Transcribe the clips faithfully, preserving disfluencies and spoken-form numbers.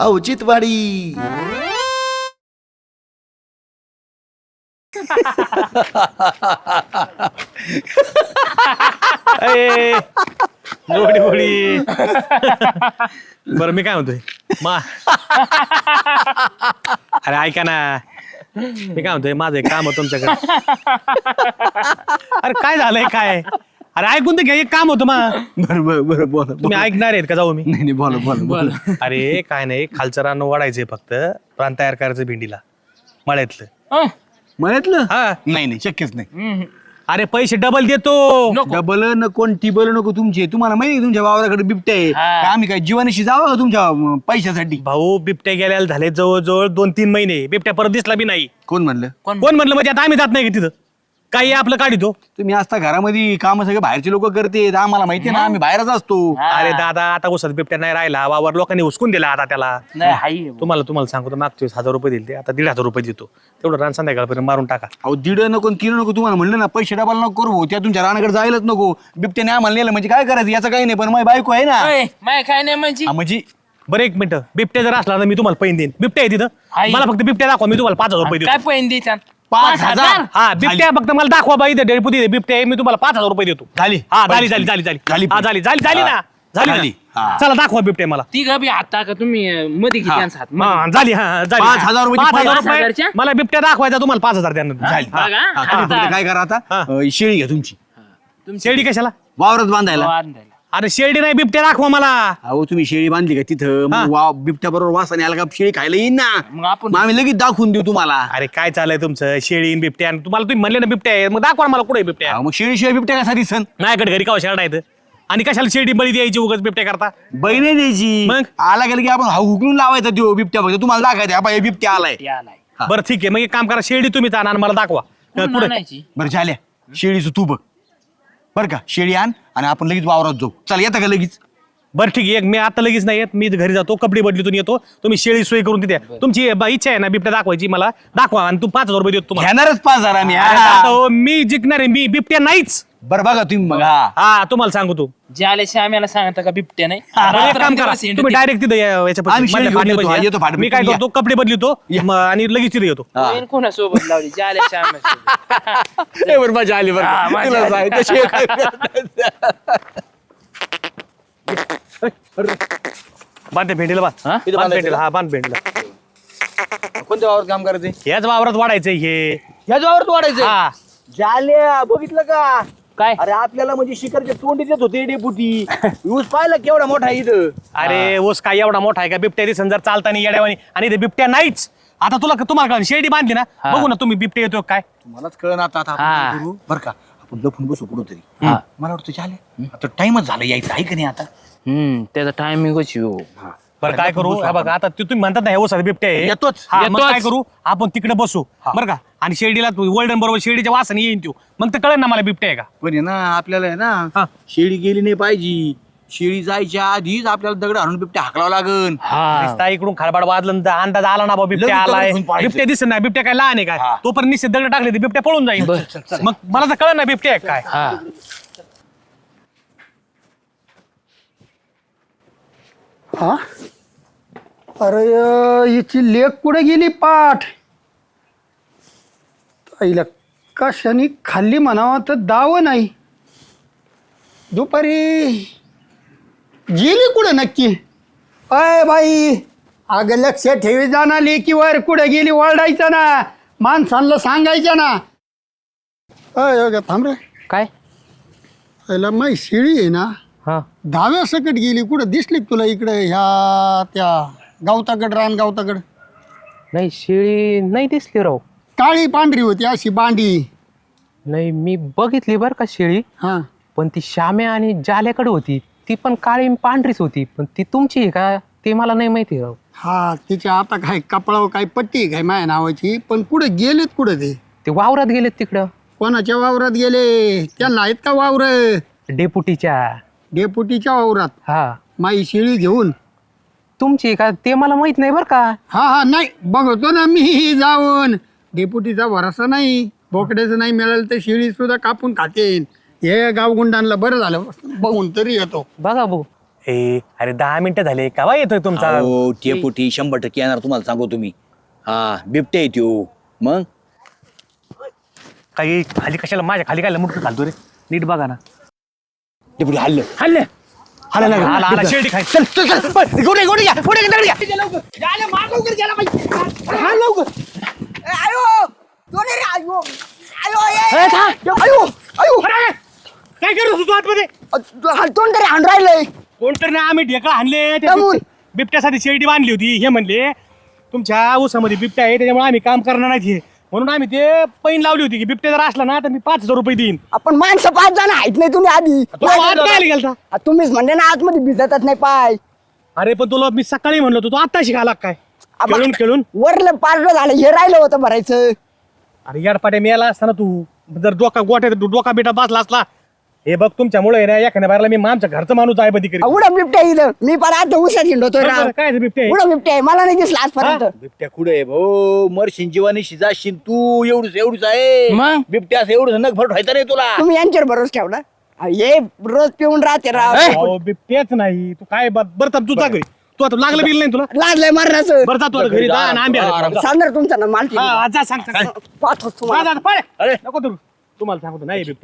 औचित्यवाडी. गोडी गोडी. बरं मी काय म्हणतोय मा अरे ऐका ना, मी काय म्हणतोय माझं एक काम होतं तुमच्याकडे. अरे काय झालंय काय? अरे ऐकून तर घ्या, एक काम होतं मा. बरं बरं बरं बोला. तुम्ही ऐकणार आहेत का? जाऊ मी. नाही नाही बोला बोला बोला. अरे काय नाही, खालचं रान वाढायचंय, फक्त रान तयार करायचं भेंडीला मळ्यातलं. म्हणतलं हा नाही नाही शक्यच नाही. अरे पैसे डबल देतो. डबल नको टिबल नको तुमचे. तुम्हाला माहिती आहे तुमच्या वावराकडे बिबट्या आहे का? आम्ही काय जीवनाशी जावं का तुमच्या अं, पैशासाठी? भाऊ बिबट्या गेल्याला झाले जवळजवळ दोन तीन महिने, बिबट्या परत दिसला बी नाही. कोण म्हणलं? कोण म्हणलं? म्हणजे आता आम्ही जात नाही का तिथं? काही आपलं काढितो. तुम्ही असता घरामध्ये काम सगळे बाहेरचे लोक करते, आम्हाला माहिती आहे ना, आम्ही बाहेरच असतो. अरे दादा आता उसत बिबट्या नाही राहिला, वावर लोकांनी हुसकून दिला आता त्याला. नाही हाय तुम्हाला तुम्हाला सांगतो, मागच्या वेळेस हजार रुपये दिले, आता दीड हजार रुपये देतो. तेवढं रान संध्याकाळपर्यंत मारून टाका. अहो दीड नको तीन नको, तुम्हाला म्हणलं ना पैसे डबाल नको करू, त्या तुमच्या रानाकडे जायलाच नको. बिबट्याने आम्हाला नेलं म्हणजे काय करायचं याचं काही नाही, पण माझी बायको आहे ना. माय काय नाही म्हणजे हा, म्हणजे बरं एक मिनिट, बिबट्या जर असला तर मी तुम्हाला पैन देईन. बिबट्या आहे तिथं, आहे. मला फक्त बिबट्या दाखवा, मी तुम्हाला पाच हजार रुपये काय देतो. पैन देतात? पाच हजार हा बिबट्या फक्त मला दाखवा बाई, इथे डेपुटी बिबट्या आहे, मी तुम्हाला पाच हजार रुपये देतो. झाली. हा झाली झाली झाली झाली झाली. हा झाली झाली झाली ना झाली झाली. ना. हा. चला दाखवा बिबट्या मला. ती गबी आता का तुम्ही अं, मध्ये किती हात हा, झाली हा झाली. पाच हजार रुपये पाच हजार पाच रुपये हजारच्या? मला बिबट्या दाखवायचा, तुम्हाला पाच हजार द्या. झाली. बघा, हा, तुम्ही आता- फक्त काय करा आता, हा. अं, शेळी घ्या तुमची शेळी कशाला? वावरात बांधायला. बांधायला. अरे शेळी नाही, बिबट्या दाखवा मला. अहो तुम्ही शेळी बांधली का तिथं, हा. मग वाव बिबट्या बरोबर वासाने आला का शेळी खायला येईन ना. मग आपण मग आम्ही लगेच दाखवून देऊ तुम्हाला. अरे काय चाललंय तुमचं? शेळी आणि बिबट्या, आणि तुम्हाला तुम्ही म्हणले ना बिबट्या आहे, मग दाखवा ना मला कुठे बिबट्या. अहो, मग शेळी शिवाय बिबट्या कसा सण माझ्याकडे घरी का शेळा आहेत, आणि कशाला शेळी बळी द्यायची उगाच बिबट्या करता? बहिणी द्यायची. मग? आला गेला की आपण हा हुकलून लावायचा तो बिबट्या, फक्त तुम्हाला दाखवायचा हा बाई बिबट्या आलाय. ती आलाय. हा. बरं ठीक आहे, मग एक काम करा, शेळी तुम्ही आणा आणि मला दाखवा. कुठून कुठे? आणायची? बरं झाल्या, शेळीचं तू बघ बरं का. शेळी आण आणि आपण लगेच वावरात जाऊ. चल येता का लगेच? बरं ठीक आहे, एक मी आता लगेच नाही येत, मी घरी जातो, कपडे बदलीतून येतो, तुम्ही शेळी सोय करून तिथे. तुमची ब- इच्छा आहे ना बिबट्या दाखवायची, मला दाखवा आणि तू पाच हजार रुपये देतो तुम्हाला. घेणारच पाच हजार आम्ही. अरे हा. दादा हो, मी जिंकणार आहे, मी बिबट्या नाहीच. बरं बघा तुम्ही मग. हा. हा तुम्हाला सांगू तू. ज्याला श्याम्याला सांगता का बिबट्या नाही बरं, एक काम करा, रात्रंदिवस हिंडते. तुम्ही डायरेक्ट तिथे या- याच्या आम्ही पाशी, शेळी मधल्या घेऊन येतो, फाटीपाशी हा, या. येतो फाटीपाशी. मी काय या. करतो, कपडे बदलितो म- आणि लगेच तिथे येतो. हा. पैन कोणासोबत लावली? ज्याला श्याम्या लय बरं मजा आली बरं हा, का. मजा तुला आली. सांग, कशी आहे काय? बांध भेंडीला बांध. हा? इथं बांध बांधायचं भेंडीला, हा बांध भेंडीला. कोणत्या वावरात काम करायचंय? याच वावरात वाढायचंय हे. ह्याच वावरात वाढायचं. हा झाल्या बघितलं का? काय अरे आपल्याला म्हणजे शिखरचे तोंडी देत होते डेपुटी. ऊस पाहिला केवढा मोठा आहे इथं. अरे ऊस काय एवढा मोठा आहे का? बिबट्या दिसन जर चालताना येड्यावानी, आणि ते बिबट्या नाहीच. आता तुला तुम्हाला कळलं, शेळी बांधली ना, हा. बघू ना तुम्ही बिबट्या येतो काय. मलाच कळ ना आता. आता आपण हा. काय करू बरं का, आपण लपून बसू कुठं तरी. हा. मला वाटतं झाले आता टाइमच झाला यायचं आहे का नाही आता. हम्म त्याचा टायमिंगच येऊ. बरं काय करू, हे बघा आता ते तुम्ही म्हणतात ना हे ऊसाचा बिबट्या आहे. येतोच. हा, मग येतोच. काय करू, आपण तिकडे बसू बरं का, आणि शेळीला वर्ल्डन बरोबर शेळीच्या वासाने येईन तो, मग तर कळेल ना मला बिबट्या आहे का. पण आहे ना आपल्याला आहे हा. ना शेळी गेली नाही पाहिजे. शेळी जायच्या आधीच आपल्याला दगड आणून बिबट्या हाकलावं लागन. हा नुसता इकडून खडबड वाजलं तर अंदाज आला ना बाबा बिबट्या लगेच दगड आलाय. घेऊन पळायचं. बिबट्या दिसत नाही, बिबट्या काय लहान आहे काय, हा. तो पण निश्चित दगड टाकले तर बिबट्या पळून जाईल. बरं. मग मला तर कळलं ना बिबट्या आहे काय. हा हा अरे हिची लेख कुठे गेली पाठ? आईला कशाने खाल्ली म्हणावं तर दाव नाही. दुपारी गेली कुठं नक्की? अय बाई, अगं लक्ष ठेवी जाणार लेकीवर, कुठे गेली ओरडायचं ना, माणसांना सांगायचं ना. अय अगं थांब रे. काय आईला माई शिळी आहे ना, हा दहाव्या सकट गेली. कुठं दिसली का तुला इकडे ह्या त्या गावताकड, रान गावताकड? नाही शेळी नाही दिसली राव. काळी पांढरी होती अशी बांडी. नाही मी बघितली बरं का शेळी, हा पण ती श्याम्या आणि जाल्याकडे होती, ती पण काळी आणि पांढरीच होती, पण ती तुमची आहे का ते मला नाही माहिती राव. हा तिच्या आता काय कपडावर काय पट्टी आहे काय माझ्या नावाची, पण कुठे गेलेत कुठं ते? ते वावरात गेलेत तिकडं कोणाच्या वावरात गेले? त्यांना आहेत का वावर? डेपुटीच्या. डेपुटीच्या वावरात हा माई शिळी घेऊन. तुमची आहे का ते मला माहित नाही बरं का. हा हा नाही बघतो ना मी जाऊन. डेपुटीचा भरोसा नाही, बोकड्याचं नाही मिळालं तर शिळी सुद्धा कापून खातेन. हे गावगुंडांना बरं झालं बघून तरी येतो. बघा भाऊ ए अरे दहा मिनिटं झाले केव्हा येतोय तुमचा हो टेपुटी शंभर टक्के येणार तुम्हाला सांगू तुम्ही. हा बिबटे येतो मग काही खाली कशाला माझ्या खाली काय मुठं घालतो रे नीट बघा ना. टेपुटी हल्लं हल्ले हल्लं लागलं. आला आला शेळी खाय चल चल चल पळ, गोटे गोटे घ्या गोटे घ्या, दगड घ्या. हा लवकर. ए, था. काय करतो तू आतमध्ये हलतोंड तरी हाण राहिलंय कोणतरी नाही आम्ही ढेकळा आणले त्या कमून? बिब- बिबट्यासाठी शेरडी बांधली होती. हे म्हणले तुमच्या ऊसामध्ये बिबट्या आहे त्याच्यामुळे आम्ही काम करणार नाही म्हणून आम्ही ते पैन लावली होती की बिबट्या जर असला ना तर मी पाच हजार रुपये देईन. आपण माणसं पाच जण आहेत नाही तुम्ही आधी तू आत काय आली गेलता आ, तुम्हीच म्हणले ना आतमध्ये भिजतच नाही पाय अरे पण तुला मी सकाळी म्हणलो होतो तू आता शिकायला काय आबा. खेळून खेळून वरलं पारलं झालं हे राहिलं होतं भरायचं अरे याडपाट्या मिळाला असताना तू जर डोका गोट्यात डोका बिटा बसला असला हे बघ तुमच्यामुळे ना एखाद्या बाहेरला मी आमच्या घरचं माणूस आहे बधी करी उडा बिबट्या इथं मी पण आता उसात हिंडतोय राव काय बिबटे उडा बिबट्या आहे मला नाही दिसला आजपर्यंत बिबट्या कुठे आहे भाऊ मरशीन जीवानी शिजाशीन तू एवढूच एवढूच आहे मग? बिबट्या असं एवढं नग फट व्हायचं नाही तुला. तुम्ही यांच्यावर भरोसा ठेवला आ, हे रोज पिऊन राहते राव अहो, बिबटेच नाही तू काय बर बर तू जा घरी तू आता लागलं बिल नाही तुला लाजलंय मरणाचं बरं जा तू आता घरी जा आणि आंबे आण. सांगणार तुमचा ना माल हा, हा, जा सांग सांग. पाहतो जा, तुम्हाला जा, पळ. अरे. नको तू तुम्हाला सांगतो नाही बिबट्या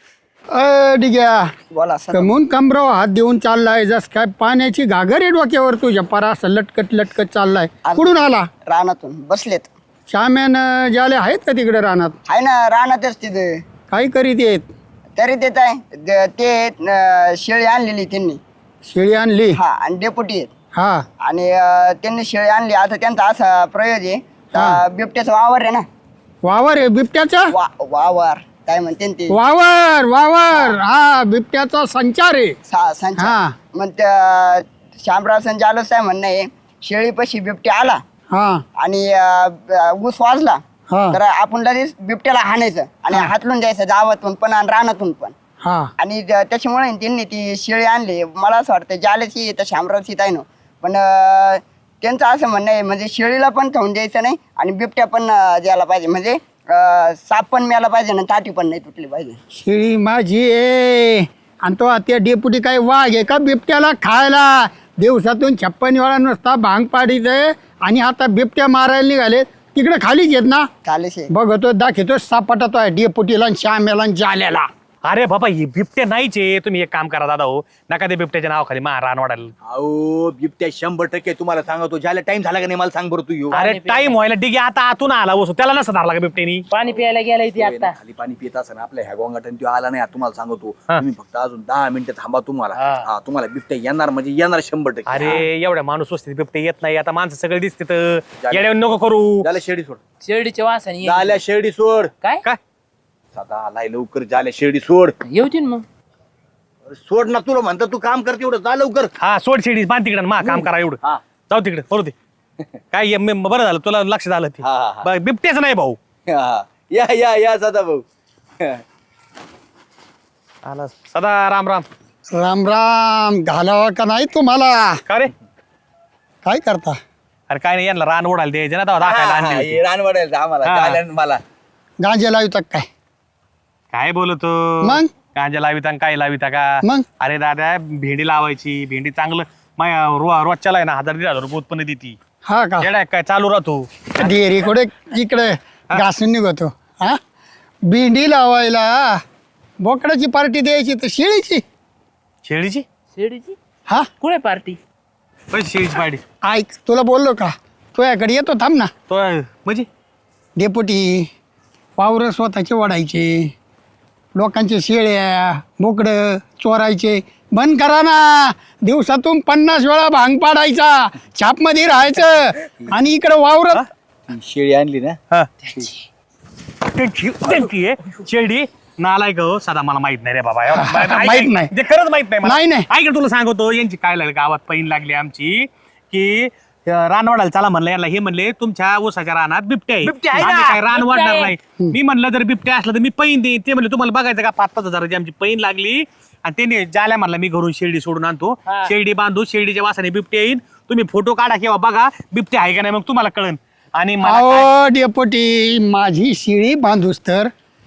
अ डिग्या बोला सर कमून कमराव हात देऊन चाललाय जस काय पाण्याची घागर आहे डोक्यावर तुझ्या परा असं लटकत लटकत चाललाय कुठून आला रानातून बसलेत श्याम्यान ज्याले आहेत का तिकडे रानात आहे ना रानातच तिथे काय करीत येत तरी देत आहे द- ते अं, शेळी आणलेली त्यांनी शेळी आणली हा आणि डेपुटी आहेत हा आणि अं, त्यांनी शेळी आणली आता त्यांचा असा प्रयोग आहे हा. का बिबट्याचा वावर आहे ना वावर आहे बिबट्याचा वा वावर काय म्हणते ना ते वावर वावर हा बिबट्याचा संचार आहे सा- संचा. हा. मग त्या शामराव संचालक साहेब म्हणणं आहे शेळीपाशी बिबट्या आला हा आणि अं, ऊस वाजला हा. तर आपण लगेच बिबट्याला हाणायचं आणि हातलून जायचं गावातून पण आणि रानातून पण हा आणि त्या- त्याच्यामुळे त्यांनी ती शेळी आणली मला असं वाटतं जालेची येतं शामरावची आहे ना पण अं, त्यांचं असं म्हणणं आहे म्हणजे शेळीला पण खाऊन द्यायचं नाही आणि बिबट्या पण अं, द्यायला पाहिजे म्हणजे अं, साप पण मिळाला पाहिजे ना ताटी पण नाही तुटली पाहिजे शेळी माझी आहे आणि तो त्या डेपुटी काय वाघ आहे का बिबट्याला खायला दिवसातून छप्पन वेळा नुसता भांग पाडीत आहे आणि आता बिबट्या मारायला निघाले तिकडे खालीच येत ना चालेशे बघतो दाखवतो सापटतो आहे डेपुटीला आणि श्यामेला आणि जाल्याला अरे बाबा हे बिबटे नाहीच आहे तुम्ही एक काम करा दादा हो नका ते बिबट्याच्या नावाखाली मा रान वाढायला अहो बिबट्या शंभर टक्के तुम्हाला सांगतो ज्याला टाइम झाला का नाही मला सांग बरं तू येऊ अरे टाइम व्हायला डिगे आता आतून आला बसू त्याला नसं धरला का बिबट्यानी पाणी प्यायला गेलाय ती आता खाली पाणी पित असं आपल्या ह्या गोंगाटन तो आला नाही तुम्हाला सांगतो हा. तुम्ही फक्त अजून दहा मिनिटं थांबा तुम्हाला हा. हा तुम्हाला बिबट्या येणार म्हणजे येणार शंभर टक्के अरे एवढ्या माणूस वस्तीत बिबटे येत नाही आता माणसं सगळे दिसते तर येड्यावर नको करू झाल्या शेडी सोड शेरडीच्या वासाने ये. झाल्या शेडी सोड काय काय सदा आलाय लवकर झाल्या शेडी सोड येऊतीन मग अरे सोड ना तुला म्हणतो तू काम करते एवढं जा लवकर हा सोड शेडी बांध तिकडे मा काम करा एवढं हा. जाऊ तिकडे बरोबर ते काय ये- मी- बरं झालं तुला लक्ष झालं ते हा, हा, हा. बरं, बिबटेच नाही भाऊ हा. या या या सदा भाऊ आला सदा राम राम राम राम घालावा का नाही तुम्हाला का रे काय करता अरे काय नाही यांना रान ओढायला द्यायचे ना तेव्हा दाखवायला आणली होती. रान वाढायचं आम्हाला हा. झाल्या ना मला गांजे लावतात काय काय बोलतो मग? गांजा लाविता आणि काय लाविता का मग? अरे दादा भेंडी लावायची भेंडी चांगलं माया रो- रोजच्याला आहे ना हजार दीड हजार रुपये उत्पन्न देती हा का येडा आहे काय चालू राहतो डेअरी कुठे इकडे घासून निघतो हा भेंडी लावायला बोकडाची पार्टी द्यायची तर शेळीची शेळीची शेरडीची हा कुठे पार्टी पैसे शेळीची पाडी ऐक तुला बोललो का तुझ्याकडे येतो थांब ना तो म्हणजे डेपुटी वावरं स्वतःचे वाढायचे लोकांचे शेळ्या बोकडं चोरायचे बंद करा ना दिवसातून पन्नास वेळा भांग पाडायचा छापमध्ये राहायचं आणि इकडे वावरत ती शेळी आणली ना हा. त्यांची त्यांची आहे शेळी नालाय गो सदा मला माहित नाही रे बाबा एवढं माहित- ऐक- माहित नाही. जे खरंच माहित नाही मला. नाही, नाही. ऐक ना, तुला सांगतो यांची काय लागली गावात पैन लागली आमची की अं, रान वाढायला चला म्हणलं यांना हे म्हणले तुमच्या ऊसाच्या रानात बिबट्या आहे बिबट्या आहे आम्ही ना, काय रान बिबट्या वाढणार आहे. नाही मी म्हणलं जर बिबट्या असलं तर मी पैन देईन ते म्हणले तुम्हाला बघायचं का पाच पाच हजाराची आमची पैन लागली आणि त्याने जाल्या म्हणला मी घरून शेळडी सोडून आणतो हा. शेळडी बांधू शेळडीच्या वासाने बिबट्या येईन तुम्ही फोटो काढा किंवा बघा बिबट्या आहे का नाही मग तुम्हाला कळन आणि मला काय- अहो डेपुटी माझी शिळी बांधूस तर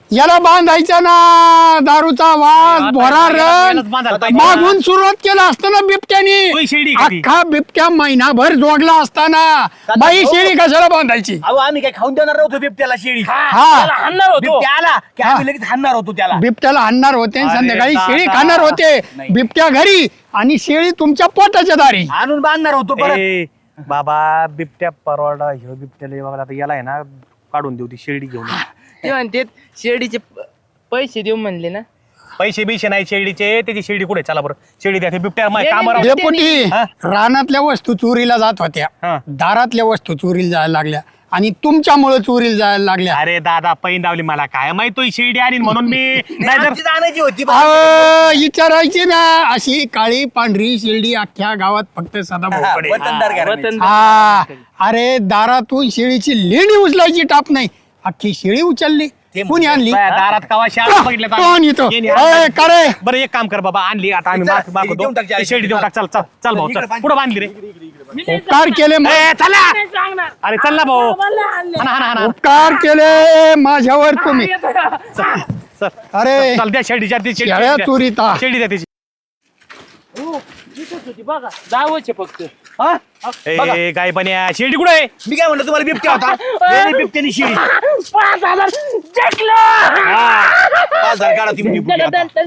याला बांधायचा ना दारूचा वास भोरा यालाच बांधायला रंग पाहिजे. मागून सुरुवात केला असताना बिबट्यानी तोही शेळी का ती? अख्खा बिबट्या महिनाभर जोडला असताना बाई शेळी कशाला बांधायची अहो आम्ही काय खाऊन देणार नव्हतो बिबट्याला शेळी हा हाणणार होतो बिबट्या आला की आम्ही लगेच हाणणार होतो त्याला बिबट्याला आणणार होते आणि अरे संध्याकाळी दादा. शेळी खाणार होते बिबट्या घरी आणि शेळी तुमच्या पोटाच्या दारी आणून बांधणार होतो परत ए, बाबा बिबट्या परवाडा ह्यो बिबट्याला बाबा आता याला आहे ना काढून देऊ ती शेळी घेऊन ये. ते म्हणते शेळीचे प- पैसे देऊ म्हणले ना पैसे बिशे नाही शेळीचे त्याची शेळी कुठे चला बरं शेळी द्या ते बिबट्या नाही, कामावर नाही, डेपुटी हा? रानातल्या वस्तू चोरीला जात होत्या हा. दारातल्या वस्तू चोरीला जायला लागल्या आणि तुमच्यामुळे चोरीला जायला लागल्या अरे दादा पैन दावली मला काय माहित तो ही शेळी आणि म्हणून मी नाही तर आमचीच आणायची होती अहो, विचारायची ना अशी काळी पांढरी शेळी अख्ख्या गावात फक्त सदा भाऊकडे वतनदार घराण्याची. वतन हा अरे दारातून शेळीची लेणी उचलायची टाप नाही अख्खी शेळी उचलली कुणी आणली बाया, दारात कवा शाळा बघितल्या तर- कोण येतो येणे, अय, का रे बरं एक काम कर बाबा आणली आता आम्ही चला, माग- मागवतो. देऊन टाक ती शेळी देऊन टाक चल चल चल भाऊ इकडे चल बांध. पुढे बांधली रे उपकार केले ए, चला सांगणार अरे चल ना भाऊ हाना हाना हाना उपकार केले माझ्यावर तुम्ही चल अरे चल द्या शेळीच्या ती शेळी शेळ्या द्या. चोरीता शेळी द्या त्याची होती बघा दावचे फक्त हा? बघा. ए काय पण शेळी कुठे आहे मी काय म्हणलं तुम्हाला बिबट्या होता गेली बिबट्यानी शेळी पाच हजार जिंकलो. पाच हजार काढा ती म्हणजे बिबट्या आता.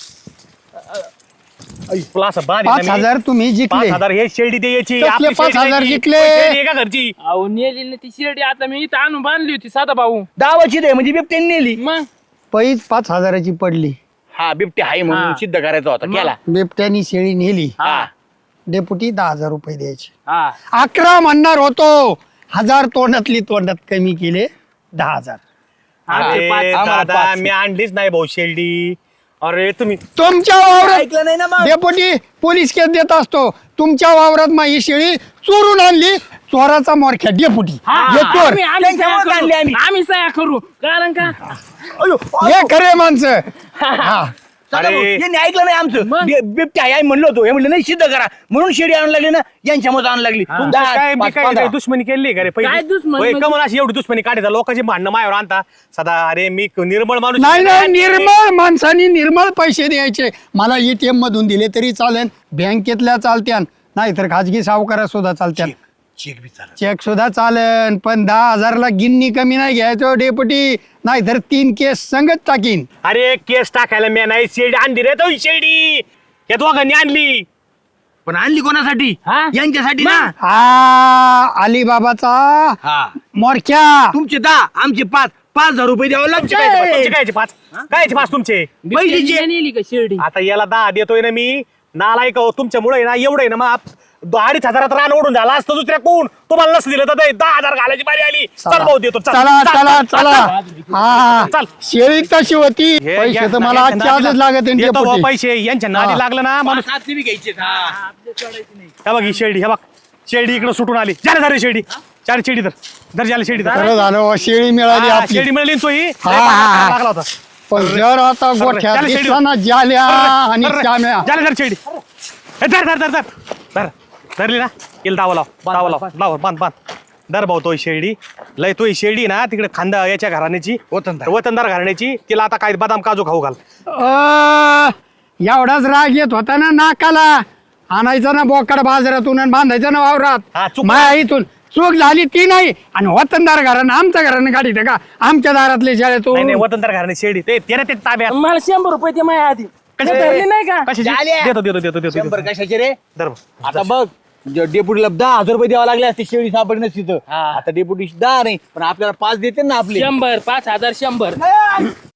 तुला असं बाद आहे पाच ना मी. हजार तुम्ही पाच जिंकले हजार हे शेळी द्यायची कसले आपली पाच शेळी हजार द्यायची. जिंकले? शेळी आहे का घरची अहो नेली ना ती शिर्डी आता मी इथं आणून बांधली होती साधा भाऊ दावाची दे म्हणजे बिबट्यानी नेली मग पैस पाच हजाराची पडली हा बिबट्या आहे म्हणून हा. सिद्ध करायचा होता केला बिबट्यानी शेळी नेली हा डेपुटी दहा हजार रुपये द्यायचे हा अकरा म्हणणार होतो हजार तोंडातली तोंडात कमी केले दहा हजार आमचे अरे पाच आम्हाला दादा पाच. मी आणलीच नाही भाऊ शेळी अरे तुम्ही तुमच्या वावरात ऐकलं नाही ना मग डेपुटी पोलीस केस देत असतो तुमच्या वावरात माझी शेळी चोरून आणली चोराचा मोरख्या डेपुटी हा, हे चोर आम्ही- आम्ही सह्या त्यांच्यामुळेच आणली करू. आम्ही. आम्ही सह्या करू कारण का अयो, हे खरे माणसं हा चला अरे. भाऊ, यांनी ऐकलं नाही आमचं मग? बि- बिबट्या आहे आम्ही म्हणलो होतो हे म्हणलं नाही सिद्ध करा म्हणून शेळी आणून लागली ना यांच्यामध्ये आणून लागली तुमचं दहा, काय मी पाच, काय पंधरा. काय दुश्मनी केली का रे काय दुश्मनी होय, म्हणजे? कमल अशी एवढी दुश्मनी काढायचा लोकांची भांडणं मायावर आणता सदा अरे मी निर्मळ माणूस नाही नाही निर्मळ माणसांनी निर्मळ पैसे द्यायचे मला एटीएम मधून दिले तरी चालेल बँकेतल्या चालत्यान नाहीतर खाजगी सावकारा सुद्धा चालत्यान चेक बी चालत. चेक सुद्धा चालेल पण दहा हजारला गिन्नी कमी नाही घ्यायचो डेपुटी नाहीतर तीन केस संगत टाकीन अरे केस टाकायला मी नाही शेळी आणली रे तो ही शेळी या दोघांनी आणली पण आणली कोणासाठी हा? यांच्यासाठी ना हा अलिबाबाचा हा मोरख्या तुमचे दहा आमचे पाच पाच हजार रुपये द्यावं तुमचे काय तुमचे लागते कायचे पाच कायचे पाच तुमचे पहिलीचे. नेली का शिर्डी आता याला दहा देतोय ना मी नालायक हो, तुमच्यामुळे ना एवढं आहे ना मग आप- अडीच हजारात रान ओढून झाला असतं दुसऱ्या कोण तुम्हाला नसं दिलं तर ते दहा हजार घालायची बारी आली चल भाऊ देतो चल. चला चल. चला चला हा चल. शेळी तशी होती हे पैसे या- तर मला यांच्या आजच्या आजच नादीला- लागत आहे येतो भाऊ डेपुटी. पैसे यांच्या नादी हा. लागलं ना माणूस आपले बी घ्यायचे हा. हे बघ ही शेळी हे बघ शेळी इकडे सुटून आली झाले झाले शेळी चार शेळी तर धर झाली शेळी धर. खरं झालं हो, शेळी मिळाली हा, आपली शेळी मिळाली ना तो ही हा, हा. लागला होता पण जर आता गोठ्यात त्याला शेळी- दिसताना जाल्या आणि चाम्या झाले धर शेळी हे धर धर धर धर धर धरली ना येईल दावा लाव दावा लाव लाव बांध बांध दर भाऊ तो ही शेळी लय तो ही शेळी ना तिकडे खांदा याच्या घराण्याची वतनदार. वतनदार घराण्याची तिला आता काय बदाम काजू खाऊ घाल अ, एवढाच राग येत होता ना नाकाला आणायचा ना बोकड बाजारातून आणि बांधायचा ना हा, वावरात चूक माया इथून चूक झाली ती नाही आणि वतनदार घरानं आमच्या घरानं गाडी का आमच्या दारातले नाही शाळेतून नाही वतनदार घराण्याची शेळी ते ते ना ते ताब्यात मला शंभर रुपये दे माझ्या आधी कशा धरली नाही का कशाची झाल्या. देतो देतो देतो देतो शंभर देतो. कशाचे रे धर भाऊ. आता बघ ज- डेपुटीला दहा हजार रुपये द्यावं लागले असते शेळी सापडली नसती तर हा. आता डेपुटी दहा नाही पण आपल्याला पाच देते ना आपले शंभर पाच हजार शंभर